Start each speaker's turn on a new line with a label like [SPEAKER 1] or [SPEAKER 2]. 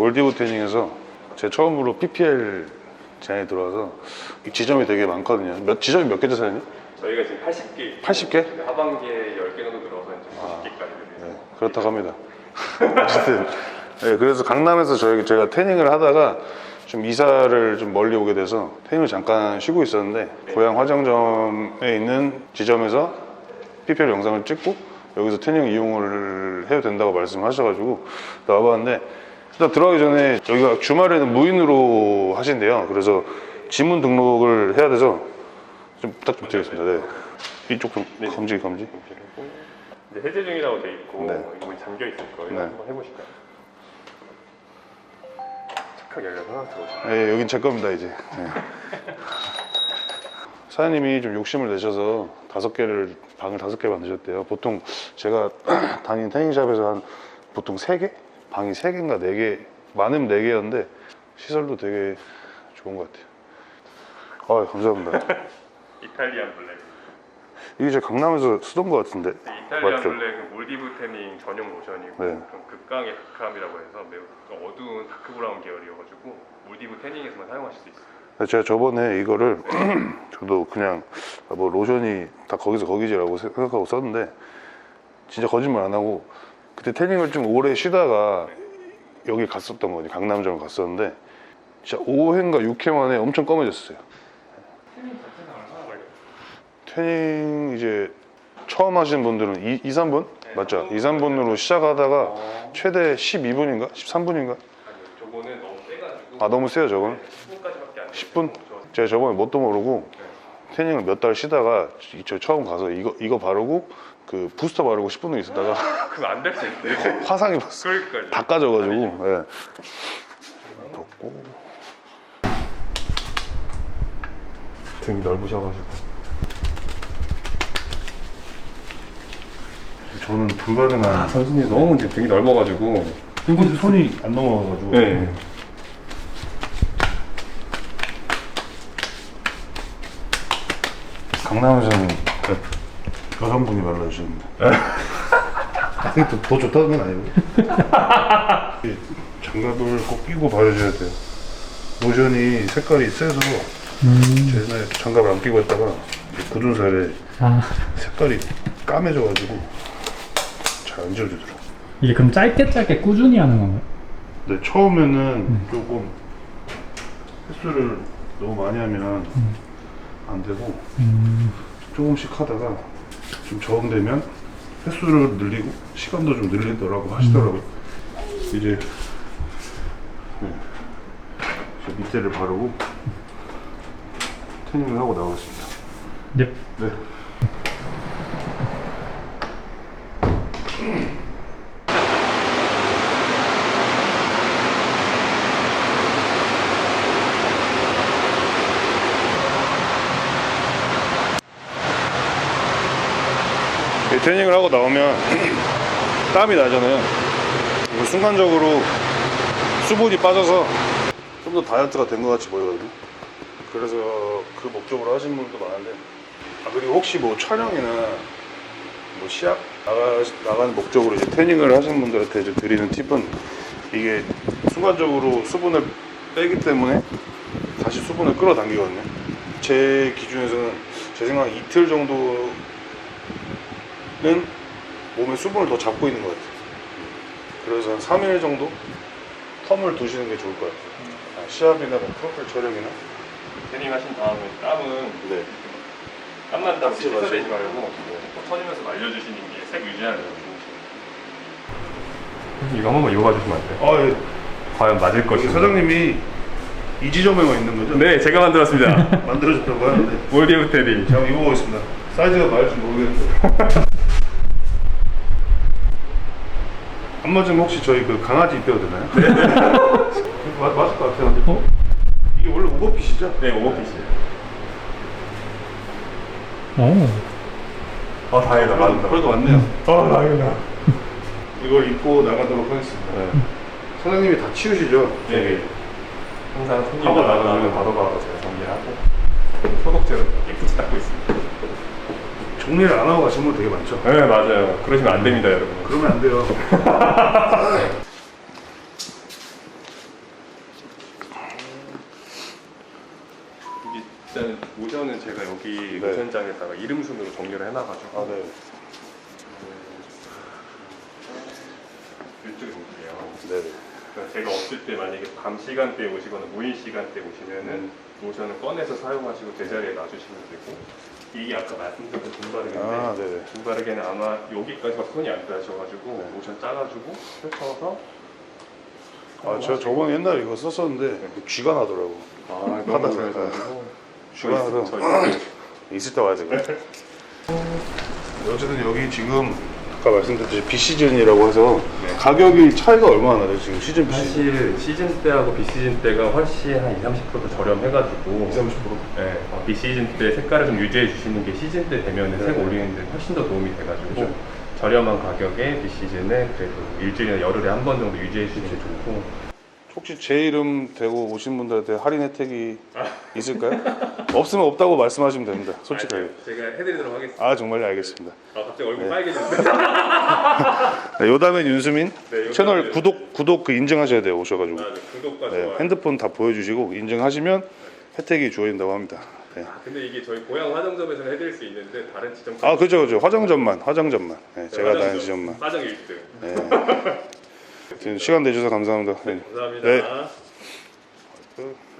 [SPEAKER 1] 몰디브 태닝에서 제 처음으로 PPL 제안이 들어와서 지점이 되게 많거든요. 지점이 몇 개죠, 사장님?
[SPEAKER 2] 저희가 지금 80개
[SPEAKER 1] 80개?
[SPEAKER 2] 하반기에 10개 정도 들어서 이제 90개까지
[SPEAKER 1] 네, 그렇다고 합니다. 어쨌든 네, 그래서 강남에서 제가 태닝을 하다가 좀 이사를 좀 멀리 오게 돼서 태닝을 잠깐 쉬고 있었는데 고향 화정점에 있는 지점에서 PPL 영상을 찍고 여기서 태닝 이용을 해도 된다고 말씀하셔가지고 나와봤는데, 일단 들어가기 전에 여기가 주말에는 무인으로 하신대요. 그래서 지문 등록을 해야 돼서 좀 부탁 좀 드리겠습니다. 네. 이쪽 좀 검지.
[SPEAKER 2] 이제 해제 중이라고 돼 있고
[SPEAKER 1] 네.
[SPEAKER 2] 이거 문이 잠겨 있을 거예요.
[SPEAKER 1] 네.
[SPEAKER 2] 한번 해보실까요? 착하게 열려서 들어오세요.
[SPEAKER 1] 네, 여긴 제 겁니다 이제. 네. 사장님이 좀 욕심을 내셔서 방을 5개 만드셨대요. 보통 제가 다니는 태닝샵에서 한 보통 3개? 방이 3개인가 4개, 많으면 4개였는데 시설도 되게 좋은 것 같아요. 아, 감사합니다.
[SPEAKER 2] 이탈리안 블랙.
[SPEAKER 1] 이게 제 강남에서 쓰던 것 같은데.
[SPEAKER 2] 이탈리안
[SPEAKER 1] 맞죠?
[SPEAKER 2] 블랙은 몰디브 태닝 전용 로션이고
[SPEAKER 1] 네.
[SPEAKER 2] 좀 극강의 다크함이라고 해서 매우 좀 어두운 다크 브라운 계열이어가지고 몰디브 태닝에서만 사용하실 수 있어요.
[SPEAKER 1] 제가 저번에 이거를 저도 그냥 뭐 로션이 다 거기서 거기지라고 생각하고 썼는데, 진짜 거짓말 안 하고 그때 태닝을 좀 오래 쉬다가 여기 갔었던 거지. 강남점 갔었는데 진짜 5회인가 6회 만에 엄청 검해졌어요.
[SPEAKER 2] 태닝 자체는 얼마나 걸려요?
[SPEAKER 1] 태닝 이제 처음 하시는 분들은 2, 3분?
[SPEAKER 2] 네,
[SPEAKER 1] 맞죠? 2, 3분으로 시작하다가 최대 12분인가? 13분인가?
[SPEAKER 2] 아니요, 저거는 너무 세가지고.
[SPEAKER 1] 아, 너무 세요 저건?
[SPEAKER 2] 10분까지밖에 안 돼요.
[SPEAKER 1] 10분? 제가 저번에 뭣도 모르고 태닝을 몇 달 쉬다가 저 처음 가서 이거 바르고 그 부스터 바르고 10분 있었다가
[SPEAKER 2] 그거 안 될 수 있는데.
[SPEAKER 1] 화상 입었어.
[SPEAKER 2] 그러니까요.
[SPEAKER 1] 다 까져가지고. 예. 덮고.
[SPEAKER 2] 등이 넓으셔가지고.
[SPEAKER 1] 저는 불가능한.
[SPEAKER 2] 선수님 너무 이제 등이 넓어가지고.
[SPEAKER 1] 손이 안 넘어가가지고.
[SPEAKER 2] 네.
[SPEAKER 1] 강남에서는 여성분이 발라주셨는데. 더 좋다는 건 아니고. 이 장갑을 꼭 끼고 바르셔야 돼요. 로션이 색깔이 세서 제 옛날에 장갑을 안 끼고 했다가 굳은 살에 색깔이 까매져가지고 잘 안 지워지더라고요.
[SPEAKER 3] 이게 그럼 짧게 꾸준히 하는 건가요?
[SPEAKER 1] 근데 처음에는 조금 횟수를 너무 많이 하면 안 되고 조금씩 하다가 좀 적응되면 횟수를 늘리고 시간도 좀 늘리더라고 하시더라고요. 이제 저 밑에를 바르고 태닝을 하고 나오겠습니다.
[SPEAKER 3] 네.
[SPEAKER 1] 네. 태닝을 하고 나오면 땀이 나잖아요. 순간적으로 수분이 빠져서 좀 더 다이어트가 된 것 같이 보이거든요. 그래서 그 목적으로 하시는 분도 많은데, 그리고 혹시 뭐 촬영이나 뭐 시합 나가는 목적으로 이제 태닝을 하시는 분들한테 이제 드리는 팁은, 이게 순간적으로 수분을 빼기 때문에 다시 수분을 끌어당기거든요. 제 기준에서는 제 생각에 이틀 정도는 몸에 수분을 더 잡고 있는 것 같아요. 그래서 한 3일 정도 텀을 두시는 게 좋을 것 같아요. 시합이나 뭐 프로필 촬영이나.
[SPEAKER 2] 태닝 하신 다음에 땀은
[SPEAKER 1] 네.
[SPEAKER 2] 땀 난다고
[SPEAKER 1] 맞지,
[SPEAKER 2] 씻어내지
[SPEAKER 1] 맞지.
[SPEAKER 2] 말고 톡 터지면서 말려주시는 게 색 유지하는 데 좋으시네요. 이거 한 번만 이어가 주시면 안 돼요?
[SPEAKER 1] 아, 예.
[SPEAKER 2] 과연 맞을 것인가?
[SPEAKER 1] 사장님이 이 지점에만 있는 거죠?
[SPEAKER 2] 네, 제가 만들었습니다.
[SPEAKER 1] 만들어줬다고 하는데.
[SPEAKER 2] 몰디브 태닝.
[SPEAKER 1] 제가 한번 입어보겠습니다. 사이즈가 맞을지 모르겠는데. 안 맞으면 혹시 저희 그 강아지 입혀도 되나요? 네. 맞을 것 같아요. 근데.
[SPEAKER 3] 어?
[SPEAKER 1] 이게 원래 오버핏이죠?
[SPEAKER 2] 네, 오버핏이에요.
[SPEAKER 3] 오.
[SPEAKER 2] 다행이다. 맞다.
[SPEAKER 1] 그래도 맞네요.
[SPEAKER 2] 다행이다.
[SPEAKER 1] 이걸 입고 나가도록 하겠습니다. 네. 사장님이 다 치우시죠?
[SPEAKER 2] 네. 항상 손님
[SPEAKER 1] 하고
[SPEAKER 2] 나가면
[SPEAKER 1] 나가면
[SPEAKER 2] 바로바로 제가 정리하고 소독제로 깨끗이 닦고 있습니다.
[SPEAKER 1] 정리를 안 하고 가시는 분 되게 많죠?
[SPEAKER 2] 네, 맞아요. 그러시면 안 됩니다, 여러분.
[SPEAKER 1] 그러면 안 돼요.
[SPEAKER 2] 여기
[SPEAKER 1] 네.
[SPEAKER 2] 노선장에다가 이름 순으로 정리를 해놔가지고
[SPEAKER 1] 아, 네.
[SPEAKER 2] 이쪽에 볼게요.
[SPEAKER 1] 네네.
[SPEAKER 2] 그러니까 제가 없을 때 만약에 밤 시간대에 오시거나 무인 시간대에 오시면은 노션을 꺼내서 사용하시고 제자리에 놔주시면 되고, 이게 아까 말씀드렸던 분바르기인데
[SPEAKER 1] 아, 네네.
[SPEAKER 2] 분바르기는 아마 여기까지밖에 손이 안 닿으셔가지고 노션 짜가지고 펼쳐서
[SPEAKER 1] 아, 제가 저번에 옛날에 이거 썼었는데 쥐가 나더라고.
[SPEAKER 2] 아,
[SPEAKER 1] 하다
[SPEAKER 2] 너무
[SPEAKER 1] 보니까.
[SPEAKER 2] 잘해가지고
[SPEAKER 1] 쥐가 나서 있을 때 와야 되거든. 어쨌든 여기 지금 아까 말씀드렸듯이 비시즌이라고 해서
[SPEAKER 2] 네.
[SPEAKER 1] 가격이 차이가 얼마나 나요? 지금 시즌 비시즌?
[SPEAKER 2] 사실 시즌 때하고 비시즌 때가 훨씬 한 20-30% 저렴해가지고
[SPEAKER 1] 20-30%?
[SPEAKER 2] 네, 비시즌 때 색깔을 좀 유지해 주시는 게 시즌 때 되면 색 올리는데 훨씬 더 도움이 돼가지고
[SPEAKER 1] 그죠.
[SPEAKER 2] 저렴한 가격에 비시즌에 그래도 일주일이나 열흘에 한 번 정도 유지해 주시는 게 좋고.
[SPEAKER 1] 혹시 제 이름 대고 오신 분들한테 할인 혜택이 있을까요? 없으면 없다고 말씀하시면 됩니다. 솔직하게.
[SPEAKER 2] 제가 해드리도록 하겠습니다.
[SPEAKER 1] 아, 정말요? 알겠습니다.
[SPEAKER 2] 아, 갑자기 얼굴
[SPEAKER 1] 네.
[SPEAKER 2] 빨개졌는데.
[SPEAKER 1] 네, 요담엔 윤수민
[SPEAKER 2] 네, 요담엔
[SPEAKER 1] 채널
[SPEAKER 2] 윤수민.
[SPEAKER 1] 구독 그 인증하셔야 돼요. 오셔가지고.
[SPEAKER 2] 아, 네, 구독과
[SPEAKER 1] 네,
[SPEAKER 2] 좋아요.
[SPEAKER 1] 핸드폰 다 보여주시고 인증하시면 혜택이 주어진다고 합니다. 네.
[SPEAKER 2] 근데 이게 저희 고향 화정점에서는 해드릴 수 있는데 다른 지점
[SPEAKER 1] 아, 그죠. 화정점만. 네, 제가 다니는 지점만.
[SPEAKER 2] 화정 1등.
[SPEAKER 1] 네. 시간 내주셔서 감사합니다. 네.
[SPEAKER 2] 감사합니다.
[SPEAKER 1] 네.